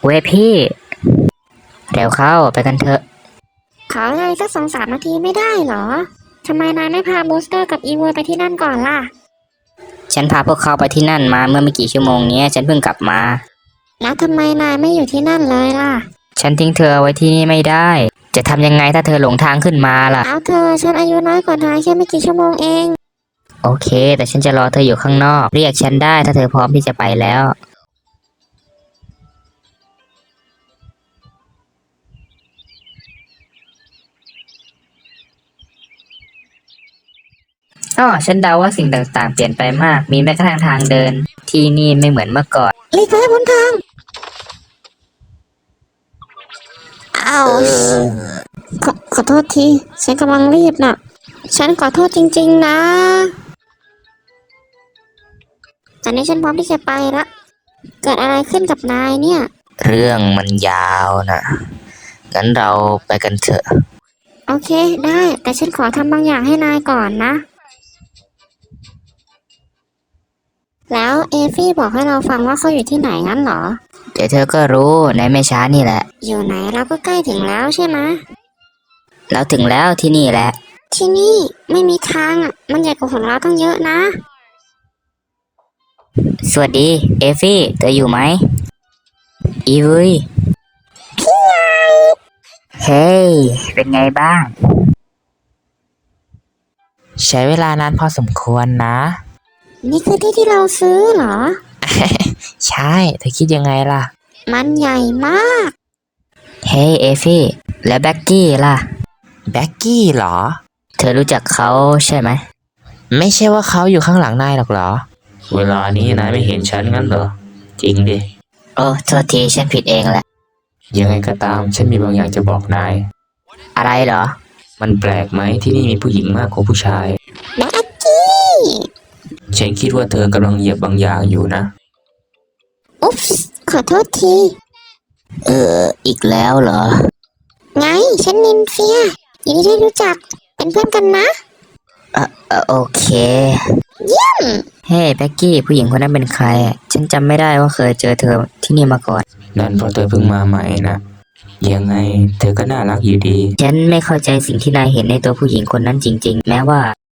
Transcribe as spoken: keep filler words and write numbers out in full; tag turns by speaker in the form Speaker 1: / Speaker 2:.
Speaker 1: เว้ยพี่เร็วเข้าไปกันเถอะ
Speaker 2: ขอเลยสักสองสามนาทีไม่ได้เหรอทำไมนายไม่พาบูสเตอร์กับอีวอยไปที่นั่นก่อนล่ะ
Speaker 1: ฉันพาพวกเขาไปที่นั่นมาเมื่อไม่กี่ชั่วโมงนี้ฉันเพิ่งกลับมา
Speaker 2: แล้วทำไมนายไม่อยู่ที่นั่นเลยล่ะ
Speaker 1: ฉันทิ้งเธอไว้ที่นี่ไม่ได้จะทำยังไงถ้าเธอหลงทางขึ้นมาล่ะ
Speaker 2: เอาเธอฉันอายุน้อยกว่านายแค่ไม่กี่ชั่วโมงเอง
Speaker 1: โอเคแต่ฉันจะรอเธออยู่ข้างนอกเรียกฉันได้ถ้าเธอพร้อมที่จะไปแล้วอ๋อฉันเดาว่าสิ่งต่างๆเปลี่ยนไปมากมีแม้กระทั่งทางเดินที่นี่ไม่เหมือนเมื่อก่อน
Speaker 2: หลีกไปบนทางเอาขอขอโทษทีฉันกำลังรีบน่ะฉันขอโทษจริงๆนะตอนนี้ฉันพร้อมที่จะไปละเกิดอะไรขึ้นกับนายเนี่ย
Speaker 1: เรื่องมันยาวนะงั้นเราไปกันเถอะ
Speaker 2: โอเคได้แต่ฉันขอทำบางอย่างให้นายก่อนนะแล้วเอฟี่บอกให้เราฟังว่าเขาอยู่ที่ไหนงั้นเหรอ
Speaker 1: เดี๋ยวเธอก็รู้ในไม่ช้านี่แหละ
Speaker 2: อยู่ไหนเราก็ใกล้ถึงแล้วใช่ไหม
Speaker 1: เราถึงแล้วที่นี่แหละ
Speaker 2: ที่นี่ไม่มีทางอ่ะมันใหญ่กว่าของเราตั้งเยอะนะ
Speaker 1: สวัสดีเอฟี่เธออยู่ไหมอีวุย
Speaker 2: พี่ใหญ่
Speaker 1: เฮ้ยเป็นไงบ้าง
Speaker 3: ใช้เวลานานพอสมควรนะ
Speaker 2: นี่คือที่ที่เราซื้อเหรอ
Speaker 3: ใช่เธอคิดยังไงล่ะ
Speaker 2: มันใหญ่มาก
Speaker 1: เฮ้ยเอฟี่แล้วแบ็กกี้ล่ะ
Speaker 3: แบ็กกี้เหรอ
Speaker 1: เธอรู้จักเขาใช่ไหม
Speaker 3: ไม่ใช่ว่าเขาอยู่ข้างหลังนายหรอกเหรอ
Speaker 4: เวลานี้นายไม่เห็นฉันงั้นเหรอจริงดิ
Speaker 1: โอ้โทษทีฉันผิดเองแหละ
Speaker 4: ยังไงก็ตามฉันมีบางอย่างจะบอกนาย
Speaker 1: อะไรเหรอ
Speaker 4: มันแปลกไหมที่นี่มีผู้หญิงมากกว่าผู้ชาย
Speaker 2: แบ็กกี้
Speaker 4: ฉันคิดว่าเธอกำลังเหยียบบางอย่างอยู่นะ
Speaker 2: อุ๊ปส์ขอโทษที
Speaker 1: เอออีกแล้วเหรอ
Speaker 2: ไงฉันนินเฟียยินดีที่รู้จักเป็นเพื่อนกันนะ
Speaker 1: เออโอเค
Speaker 2: เยี่ยม
Speaker 1: เฮ้แบ็กกี้ผู้หญิงคนนั้นเป็นใครฉันจำไม่ได้ว่าเคยเจอเธอที่นี่มาก่อน
Speaker 4: นั่นเพราะเธอเพิ่งมาใหม่นะยังไงเธอก็น่ารักอยู่ดี
Speaker 1: ฉันไม่เข้าใจสิ่งที่นายเห็นในตัวผู้หญิงคนนั้นจริงๆแม้ว่า